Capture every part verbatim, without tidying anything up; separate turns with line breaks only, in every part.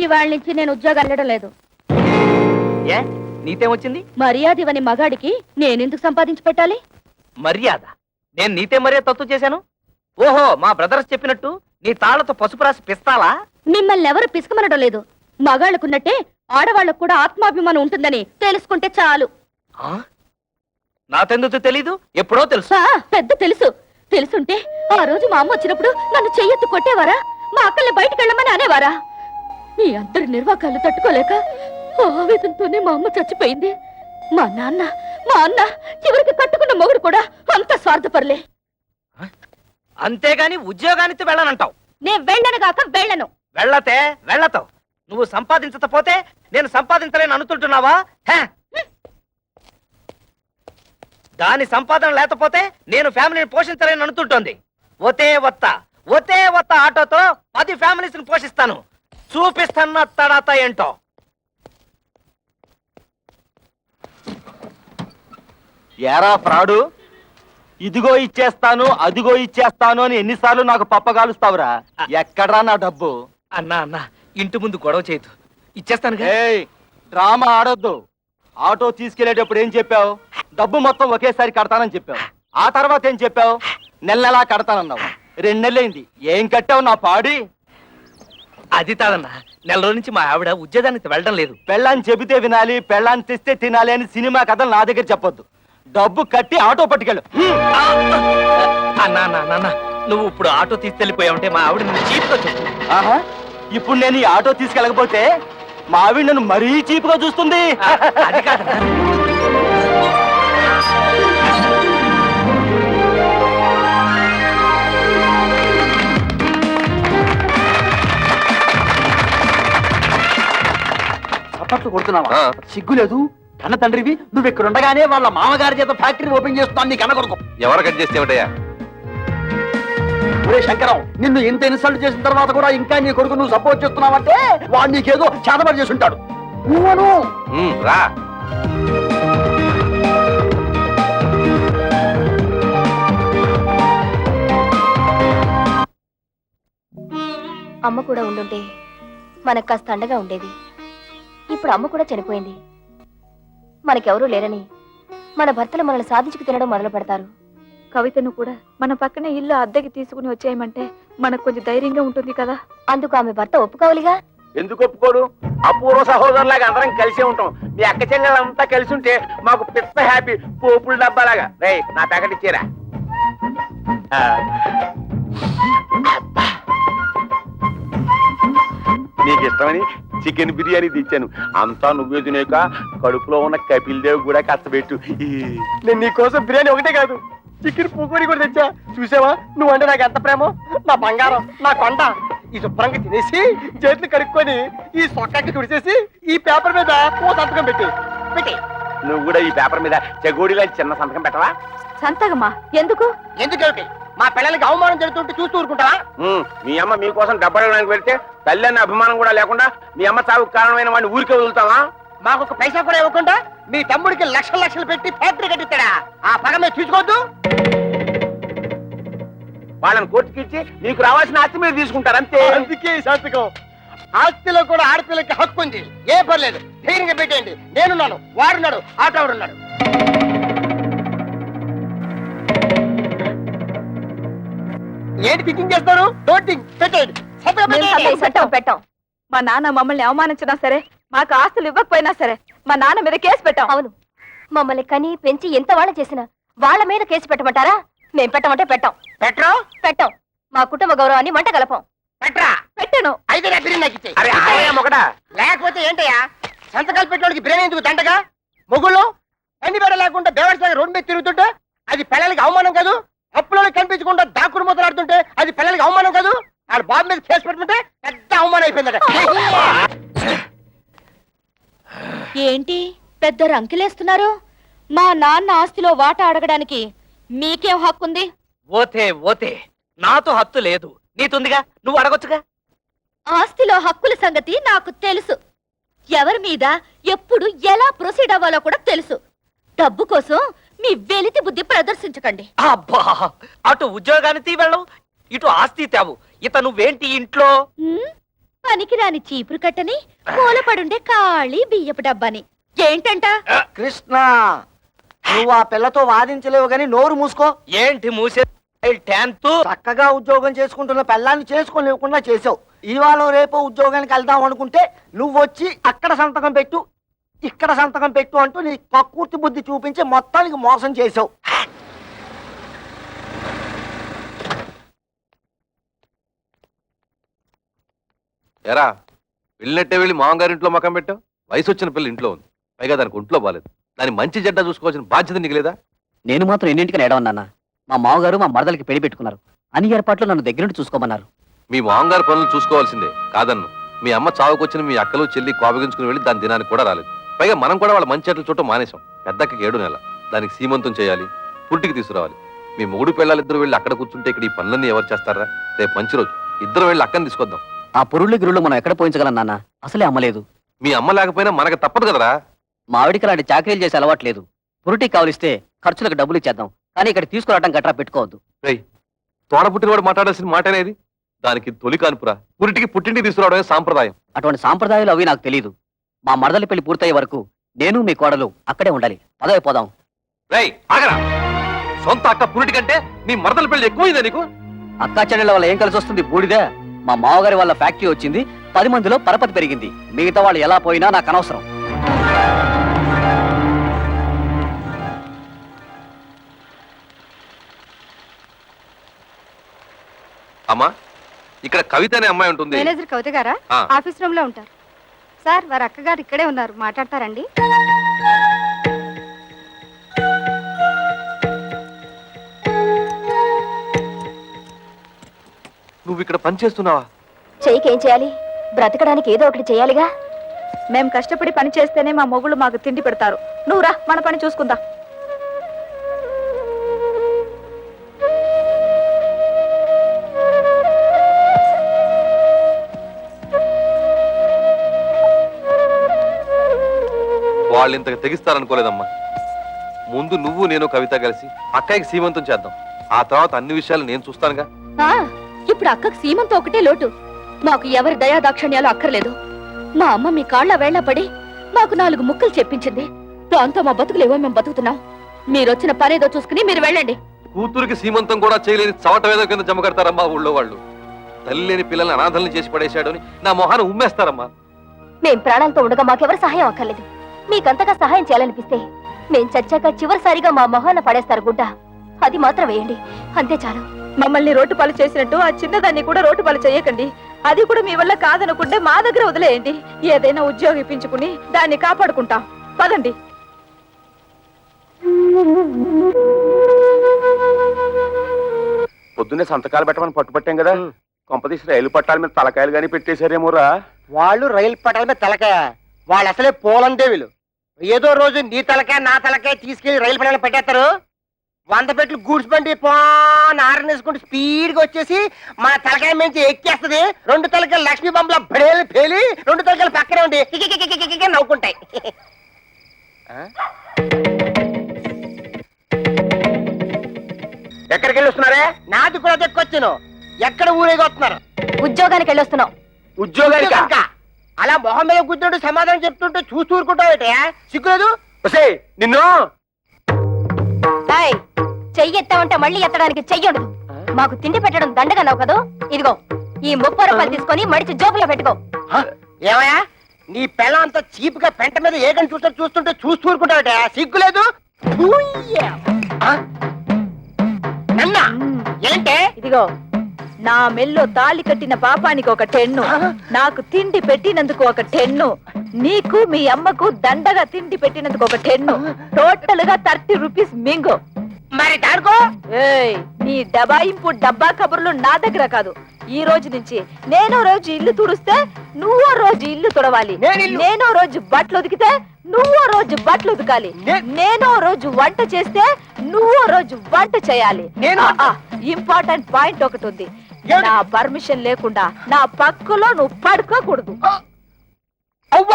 ఇవాళ నుంచి నేను ఉద్యోగం వెళ్ళడం లేదు.
ఏ నీతేమొచ్చింది?
మర్యాద ఇవని మగాడికి నేనెందుకు సంపాదించి పెట్టాలి?
మర్యాద? నేను నీతే మర్యాద తత్తు చేశాను? ఓహో, మా బ్రదర్స్ చెప్పినట్టు నీ తాళ్లతో పసుపు రాసి పిస్తాలా?
మిమ్మల్ని ఎవరు పిసుకమనడం లేదు. మగాళ్ళకున్నట్టే ఆడవాళ్ళకు కూడా ఆత్మాభిమానం ఉంటుందని తెలుసుకుంటే చాలు.
నాకెందుకు తెలీదు? ఎప్పుడో తెలుసు.
పెద్ద తెలుసు. తెలుసుంటే ఆ రోజు మా అమ్మ వచ్చినప్పుడు నన్ను చెయ్యెత్తు కొట్టేవారా? మా అక్కల్ని బయటకు వెళ్ళమని అనేవారా? మీ అందరి నిర్వాకాలు తట్టుకోలేక ఆవేదంతోనే మా అమ్మ చచ్చిపోయింది. మా నాన్న మా అన్న చివరికి కట్టుకున్న మొగుడు కూడా అంత స్వార్థపరలే.
అంతేగాని ఉద్యోగానికి వెళ్ళనంటావు?
నేను వెళ్ళను గాక వెళ్ళను.
వెళ్ళతే వెళ్ళతావు. నువ్వు సంపాదించకపోతే నేను సంపాదించలేను అనుకుంటున్నావా? దాని సంపాదన లేకపోతే నేను ఫ్యామిలీని పోషించలేను అనుకుంటోంది. ఒతే వత్త ఒతే వత్త ఆటోతో పది ఫ్యామిలీస్ ని పోషిస్తాను. చూపిస్తాను తడాత ఏంటో.
ఏరా ఫ్రాడు, ఇదిగో ఇచ్చేస్తాను అదిగో ఇచ్చేస్తాను అని ఎన్నిసార్లు నాకు పప్పగాలుస్తావురా? ఎక్కడ్రా నా డబ్బు?
అన్నా అన్నా, ఇంటి ముందు గొడవ చేయదు, ఇచ్చేస్తాను.
డ్రామా ఆడొద్దు. ఆటో తీసుకెళ్లేటప్పుడు ఏం చెప్పావు? డబ్బు మొత్తం ఒకేసారి కడతానని చెప్పావు. ఆ తర్వాత ఏం చెప్పావు? నెల నెలా కడతానన్నావు. రెండు నెలలైంది, ఏం కట్టావు నా పాడి?
అది తాదన్నా, నెల రోజు నుంచి మా ఆవిడ ఉద్యోగానికి వెళ్ళడం లేదు.
పెళ్ళాన్ని చెబితే వినాలి, పెళ్ళాన్ని తెస్తే తినాలి అని సినిమా కథలు నా దగ్గర చెప్పొద్దు. డబ్బు కట్టి ఆటో పట్టుకెళ్ళు.
అన్నా నాన్న, నువ్వు ఇప్పుడు ఆటో తీసుకెళ్ళిపోయావుంటే మా ఆవిడ నన్ను చీప్గా చెప్పు.
ఆహా, ఇప్పుడు నేను ఈ ఆటో తీసుకెళ్ళకపోతే మా ఆవిడ నన్ను మరీ చీప్గా చూస్తుంది.
అది కాదన్నా.
చప్పట్లు కొడుతున్నావా? సిగ్గు లేదు? కన్న తండ్రివి నువ్వు ఇక్కడ ఉండగానే వాళ్ళ మామగారి చేత ఫ్యాక్టరీ ఓపెన్ చేస్తున్నాను. నీ కన్న కొడుకు
ఎవరు కట్ చేస్తేమిటయ్యా?
ఒరే శంకరం, నిన్ను ఇంత ఇన్సల్ట్ చేసిన తర్వాత కూడా ఇంకా నీ కొడుకు నువ్వు సపోర్ట్ చేస్తున్నావంటే వాడు నీకేదో చేతబడి చేసి ఉంటాడు. నువ్వను
రా.
అమ్మ కూడా ఉండుంటే మనకు కాస్త అండగా ఉండేది. ఇప్పుడు అమ్మ కూడా చనిపోయింది. మనకెవరూ లేరని మన భర్తలు మనల్ని సాధించుకు తినడం మొదలు పెడతారు.
కవితను కూడా మన పక్కనే ఇల్లు అద్దెకి తీసుకుని వచ్చేయమంటే మనకు కొంచెం ధైర్యంగా ఉంటుంది కదా.
అందుకు ఆమె భర్త ఒప్పుకోవాలిగా.
ఎందుకు ఒప్పుకోడు? అపూర్వ సహోదరులాగా అందరం కలిసే ఉంటాం. మీ అక్క చెల్లెలంతా కలిసి ఉంటే మాకు పెద్ద హ్యాపీ. పోపుల డబ్బాలాగా. రే, నా ప్యాకెట్ ఇచ్చేరా.
నీకు ఇష్టమని చికెన్ బిర్యానీ తెచ్చాను. అంతా నువ్వే తినేక కడుపులో ఉన్న కపిల్ దేవ్ కూడా కష్టపెట్టు.
నేను నీకోసం బిర్యానీ ఒకటే కాదు, చికెన్ పూకోడి కూడా తెచ్చా. చూసావా నువ్వంటే నాకు ఎంత ప్రేమో? నా బంగారం, నా కొండ. ఈ శుభ్రంగా తినేసి చేతులు కడుక్కొని ఈ సొక్కకి తుడిచేసి ఈ పేపర్ మీద ఓ సంతకం పెట్టి పెట్టి
నువ్వు కూడా ఈ పేపర్ మీద చెగోడిలా చిన్న సంతకం పెట్టవా?
సంతకమా? ఎందుకు?
ఎందుకేమిటి? మా పిల్లలకి అవమానం జరుగుతుంటే చూస్తూ ఊరుకుంటావా?
మీ అమ్మ మీకోసం డబ్బడానికి వెళ్తే తల్లి అన్న అభిమానం కూడా లేకుండా మీ అమ్మ చావుకు కారణమైన వాడిని ఊరికే వదులుతావా?
మాకు ఒక పైసా కూడా ఇవ్వకుండా మీ తమ్ముడికి లక్షలు లక్షలు పెట్టి ఫ్యాక్టరీ కట్టిస్తాడా? ఆ పగ మీద చూసుకోవద్దు.
వాళ్ళని కోర్టుకి ఇచ్చి నీకు రావాల్సిన ఆస్తి మీరు తీసుకుంటారు అంతే.
అందుకే ఈ సంతకం. ఆస్తిలో కూడా ఆడపిల్లకి హక్కు ఉంది. ఏ పర్లేదు, ధైర్యంగా పెట్టేయండి. నేనున్నాను, వాడున్నాడు, ఆటోడున్నాడు. ఏంటి థింకింగ్ చేస్తారు? డోంట్ థింక్, పెట్టేయండి.
పెట్టాం పెట్టాం మా నాన్న మమ్మల్ని అవమానించినా సరే, మాకు ఆస్తులు ఇవ్వకపోయినా సరే మా నాన్న మీద కేసు పెట్టాం.
అవును, మమ్మల్ని కని పెంచి ఎంత వాళ్ళ చేసినా వాళ్ళ మీద కేసు పెట్టమంటారా? మేం పెట్టమంటే పెట్టాం.
పెట్టరా?
పెట్టాం. మా కుటుంబ గౌరవాన్ని మంట కలపం.
పెట్టరా?
పెట్టను.
అయితే నా బిర్యానీ నాకు ఇచ్చేయ్.
అరే ఆలయం ఒకటా?
లేకపోతే ఏంటయ్యా సంతకాలు పెట్టడానికి బిర్యానీ ఎందుకు దండగా? మొగుళ్ళు అన్ని బెడ లేకుండా బేవర్స్ రోడ్డు మీద తిరుగుతుంటే అది పిల్లలకి అవమానం కాదు? అప్పులో కనిపించకుండా దాక్కుడు మొదలాడుతుంటే అది పిల్లలకి అవమానం కాదు? ఆడ బాబు మీద కేసు పెట్టుకుంటే పెద్ద అవమానం అయిపోయిందట.
ఏంటి పెద్ద రంకిలేస్తున్నారు? మా నాన్న ఆస్తిలో వాటా అడగడానికి మీకేం హక్కుంది?
ఓతే ఓతే, నాతో హక్కు లేదు, నీతుందిగా, నువ్వు అడగొచ్చుగా.
ఆస్తిలో హక్కుల సంగతి నాకు తెలుసు. ఎవరి మీద ఎప్పుడు ఎలా ప్రొసీడ్ అవ్వాలో కూడా తెలుసు. డబ్బు కోసం మీ వెలితి బుద్ధి ప్రదర్శించకండి.
అబ్బా, అటు ఉద్యోగానికి వెళ్ళవు, ఇటు ఆస్తి తేవు. ఇత నువ్వేంటి ఇంట్లో?
పనికిరాని చీపురు కట్టని మూలపడుండే ఖాళీ బియ్యపు డబ్బాని ఏంటంట
కృష్ణ నువ్వు ఆ పిల్లతో వాదించలేవు గాని నోరు మూసుకో.
ఏంటి మూసే టెన్త్
చక్కగా ఉద్యోగం చేసుకుంటున్న పిల్లాన్ని చేసుకోలేకుండా చేసావు. ఇవాళ రేపు ఉద్యోగానికి వెళ్దాం అనుకుంటే నువ్వు వచ్చి అక్కడ సంతకం పెట్టు ఇక్కడ సంతకం పెట్టు అంటూ నీ కక్కుర్తి బుద్ధి చూపించి మొత్తానికి మోసం చేసావు.
ఎరా వెళ్ళినట్టే వెళ్ళి మామగారింట్లో మకం పెట్టావు. వయసు వచ్చిన పిల్ల ఇంట్లో ఉంది, పైగా దానికి ఒంట్లో బాలేదు. దాని మంచి చెడ్డ చూసుకోవాల్సిన బాధ్యత నీకు లేదా?
నేను మాత్రం ఎన్నింటికని ఏడవన్నానా? మా మామగారు మా మరదలకి పెళ్లి పెట్టుకున్నారు. అన్ని ఏర్పాట్లు నన్ను దగ్గర నుండి చూసుకోమన్నారు.
మీ మామగారి పనులు చూసుకోవాల్సిందే కాదన్ను. మీ అమ్మ చావుకొచ్చిన మీ అక్కలు చెల్లి కోపగించుకుని వెళ్ళి దాని దినానికి కూడా రాలేదు. పైగా మనం కూడా వాళ్ళ మంచి చెట్లు చుట్టూ మానేశాం. పెద్దకి ఏడు నెల, దానికి సీమంతం చేయాలి, పుట్టికి తీసుకురావాలి. మీ మూడు పిల్లలిద్దరు వెళ్ళి అక్కడ కూర్చుంటే ఇక్కడ ఈ పనులన్నీ ఎవరు చేస్తారా? రేపు మంచి రోజు, ఇద్దరు వెళ్ళి అక్కని తీసుకొద్దాం.
ఆ పురుళ్ళు గిరుళ్ళు మనం ఎక్కడ పోయించగలం నాన్న? అసలే అమ్మలేదు.
మీ అమ్మ లేకపోయినా మనకు తప్పదు కదరా.
మా ఆవిడికి అలాంటి చాకరీలు చేసే అలవాట్లేదు. పురుటికి కావలిస్తే ఖర్చులకు డబ్బులు ఇచ్చేద్దాం, కానీ ఇక్కడ తీసుకురావడం గట్రా పెట్టుకోవద్దు.
రేయ్, తోడ పుట్టినవాడు మాట్లాడాల్సిన మాట అనేది. దానికి తొలి కానుపురా, పురిటికి పుట్టింటికి తీసుకురావడమే సాంప్రదాయం.
అటువంటి సాంప్రదాయాలు అవి నాకు తెలియదు. మా మరదలి పెళ్లి పూర్తయ్యే వరకు నేను మీ కోడలు అక్కడే ఉండాలి. పదవి పోదాం.
రేయ్ ఆగరా, సొంత అక్క పురిటి కంటే నీ మరదల పెళ్లి ఎక్కువైందా నీకు?
అక్కా చెల్లెళ్ళ వల్ల ఏం కలిసి వస్తుంది? బూడిదే. మా మామగారి వాళ్ళ ఫ్యాక్టరీ వచ్చింది, పది మందిలో పరపతి పెరిగింది. మిగతా వాళ్ళు ఎలా పోయినా నాకు అనవసరం.
అమ్మా, ఇక్కడ కవిత అనే అమ్మాయి ఉంటుంది.
మేనేజర్ కవిత గారా?
ఆ.
ఆఫీస్ రూమ్ లో ఉంటారు. సార్, వారి అక్కగారు ఇక్కడే ఉన్నారు, మాట్లాడతారండి.
నువ్వు ఇక్కడ పని చేస్తున్నావా?
చెయ్యికేం చేయాలి? బ్రతకడానికి ఏదో ఒకటి చేయాలిగా.
మేము కష్టపడి పని చేస్తేనే మా మొగుళ్ళు మాకు తిండి పెడతారు. నువ్వు రా, మన పని చూసుకుందాం.
వాళ్ళు ఇంతకు తెగిస్తారనుకోలేదమ్మా. ముందు నువ్వు నేను కవిత కలిసి అక్కయ్యకి సీమంతం చేద్దాం. ఆ తర్వాత అన్ని విషయాలు నేను చూస్తానుగా.
ఆ, ఇప్పుడు అక్కకు సీమంతో ఒకటే లోటు. మాకు ఎవరి దయా దాక్షణ్యాలు అక్కర్లేదు. మా అమ్మ మీ కాళ్ళ వేళ్ల పడి మాకు నాలుగు ముక్కలు చెప్పించింది. దాంతో మా బతుకులేవో మేము బతుకుతున్నాం. మీరొచ్చిన పనేదో చూసుకుని మీరు వెళ్ళండి.
కూతురికి సీమంతం కూడా చేయలేని చవట వేద కింద జమ కడతారమ్మా ఊళ్ళో వాళ్ళు. తల్లి లేని పిల్లల్ని అనాథల్ని చేసి పడేశాడు అని నా మొహాన్ని ఉమ్మేస్తారమ్మా.
మేం ప్రాణాలతో ఉండగా మాకెవరు సహాయం అక్కర్లేదు. మీకంతగా సహాయం చేయాలనిపిస్తే మేం చచ్చాక చివరిసారిగా మా మొహాన పడేస్తారు గుడ్డ. అది మాత్రం వేయండి, అంతే చాలు.
మమ్మల్ని రోడ్డు పాలు చేసినట్టు ఆ చిన్నదాన్ని కూడా రోడ్డు పాలు చేయకండి. అది కూడా మీ వల్ల కాదనుకుంటే మా దగ్గర వదిలేయండి. ఏదైనా ఉద్యోగం ఇప్పించుకుని దాన్ని కాపాడుకుంటాం. పదండి.
పొద్దున్నే సంతకాలు పెట్టమని పట్టుపట్టాం కదా, కొంపదీసి రైలు పట్టాల మీద తలకాయలు గానీ పెట్టేశారేమోరా.
వాళ్ళు రైలు పట్టాల మీద తలకాయ, వాళ్ళు అసలే పోలందేవులు. ఏదో రోజు నీ తలకాయ నా తలకాయ తీసుకెళ్లి రైలు పట్టాల పెట్టేస్తారు. వంద పెట్లు గూడ్స్ బండి పోన్ ఆరనేసుకుంటూ స్పీడ్ గా వచ్చేసి మన తలకాయ మించి ఎక్కేస్తది. రెండు తలకాయలు లక్ష్మీ బొమ్మల బడేలు పేలి రెండు తలకాయలు పక్కనే ఉండి కికికికికికికి నవ్వుకుంటాయి. ఎక్కడికి వెళ్ళి వస్తున్నారే? నాది కూడా దక్కొచ్చాను. ఎక్కడ ఊరేగి వస్తున్నారు?
ఉద్యోగానికి వెళ్ళొస్తున్నాం.
ఉద్యోగానికి అలా మొహం మీద కూర్చుంటూ సమాధానం చెప్తుంటే చూస్తూ ఊరుకుంటావు. సిగ్గులేదు?
నిన్ను
చెయ్యి ఎత్తామంటే మళ్ళీ ఎత్తడానికి చెయ్యడు. మాకు తిండి పెట్టడం దండగా నవ్వు కదూ. ఇదిగో ఈ ముప్పై రూపాయలు తీసుకొని మడిచి జోబులో పెట్టుకో.
ఏమయ్యా, నీ పెళ్ళ అంత చీప్ గా పెంట మీద ఏకని చూస్తూ చూస్తుంటే చూస్తూ ఊరుకుంటావుట. సిగ్గులేదు? నన్నా ఏంటే?
ఇదిగో, నా మెల్లో తాళి కట్టిన పాపానికి ఒక టెన్ను, నాకు తిండి పెట్టినందుకు ఒక టెన్ను, నీకు మీ అమ్మకు దండగా తిండి పెట్టినందుకు ఒక టెన్ను. టోటల్ గా థర్టీ రూపీస్ మింగు.
మరి దాడుకో.
ఏయ్, నీ డబాయింపు డబ్బా కబుర్లు నా దగ్గర కాదు. ఈ రోజు నుంచి నేనో రోజు ఇల్లు తుడిస్తే నువ్వో రోజు ఇల్లు తుడవాలి. నేనో రోజు బట్టలు ఉతికితే నువ్వో రోజు బట్టలు ఉతకాలి. నేనో రోజు వంట చేస్తే నువ్వో రోజు వంట చేయాలి. ఇంపార్టెంట్ పాయింట్ ఒకటి ఉంది. నా పర్మిషన్ లేకుండా నా పక్కలో నువ్వు పడుకోకూడదు.
అవ్వా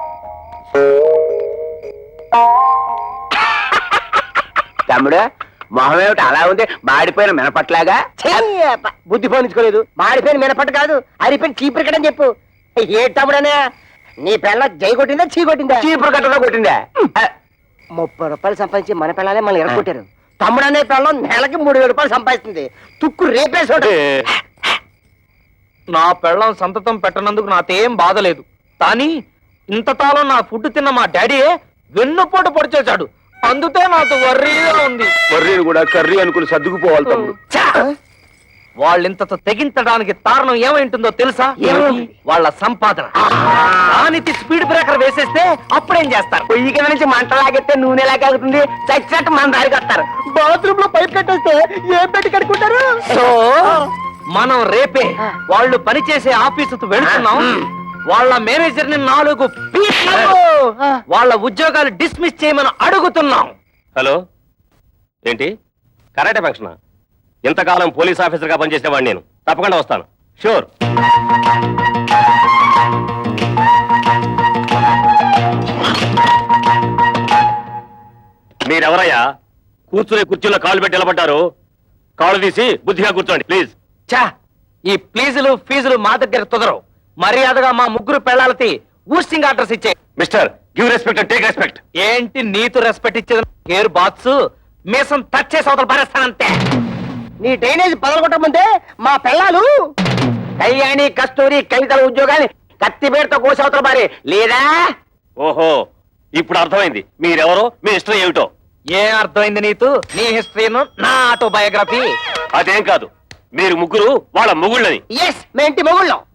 తమ్ముడు, మొహం ఏమిటి అలా ఉంది మాడిపోయిన మినపట్లాగా
చెయ్యప్ప, బుద్ధి పోనించుకోలేదు. మాడిపోయిన మినపట్టు కాదు, అరిపోయిన చీపురు కట్టని చెప్పు. ఏ తమ్ముడనే నీ పిల్ల జై కొట్టిందా చీ కొట్టిందా?
చీపురు కట్టలో కొట్టిందా
ముప్పై రూపాయలు సంపాదించి మన పిల్లలే మనం ఎరగొట్టారు. తమ్ముడు అనే పిల్లం నెలకి మూడు వేల రూపాయలు సంపాదిస్తుంది. తుక్కు రేపేసాడు.
నా పెళ్ళం సంతతం పెట్టనందుకు నాకేం బాధ లేదు, కానీ ఇంతకాలం నా ఫుడ్ తిన్న మా డాడీ వెన్నుపోటు పొడిచేశాడు. అందుకే నాకు వర్రీగా ఉంది.
కర్రీని కూడా కర్రీ అనుకుని సర్దుకుపోవాలి తమ్ముడు.
ఛా! వాళ్ళింతతో తెగించడానికి కారణం ఏమైంటుందో తెలుసా?
ఏమిటి?
వాళ్ళ సంపాదన. దానికి స్పీడ్ బ్రేకర్ వేసేస్తే అప్పుడేం చేస్తారు?
పొయ్యి కింద నుంచి మంట లాగెత్తే నూనె లాగేస్తుంది. చచ్చినట్టు మన దారికి వస్తారు. బాత్రూమ్ లో పైప్ కట్టేస్తే ఏం పెట్టి కట్టుకుంటారు?
సో మనం రేపే వాళ్ళు పనిచేసే ఆఫీసుకు వెళ్తున్నాం. వాళ్ళ మేనేజర్ ని నాలుగు పీట్లు వాళ్ళ ఉద్యోగాలు డిస్మిస్ చేయమని అడుగుతున్నాం.
హలో ఏంటి కరాటే ఫంక్షన్? ఇంతకాలం పోలీస్ ఆఫీసర్ గా పనిచేసేవాడిని నేను. తప్పకుండా వస్తాను, షూర్. మీరెవరయ్యా కూర్చునే కుర్చీలో కాళ్ళు పెట్టి నిలబడ్డారు? కాళ్ళు తీసి బుద్ధిగా కూర్చోండి ప్లీజ్.
చా ఈ ప్లీజులు ఫీజులు మా దగ్గర కుదరవు. మర్యాదగా మా ముగ్గురు పెళ్ళాలకి ఊస్టింగ్ ఆర్డర్స్ ఇచ్చే.
Mister give respect and take respect.
ఏంటి నీతు రెస్పెక్ట్ ఇచ్చేది? కేర్ బాత్స్ మీసం టచ్ చేసి అవతల పారేస్తానంతే.
నీ డ్రైనేజ్ పదలగొట్టమంటే మా పిల్లలు కళ్యాణి కస్తూరి కవితల ఉద్యోగాన్ని కత్తిపేటతో కోసి అవతల పారే లేదా?
ఓహో ఇప్పుడు అర్థమైంది మీరెవరో మీ హిస్టరీ ఏమిటో.
ఏం అర్థమైంది నీతు? నీ హిస్టరీను నా ఆటోబయోగ్రఫీ.
అదేం కాదు, మీరు ముగ్గురు వాళ్ళ మొగుళ్ళని.
ఎస్, మేంటి మొగుళ్ళం.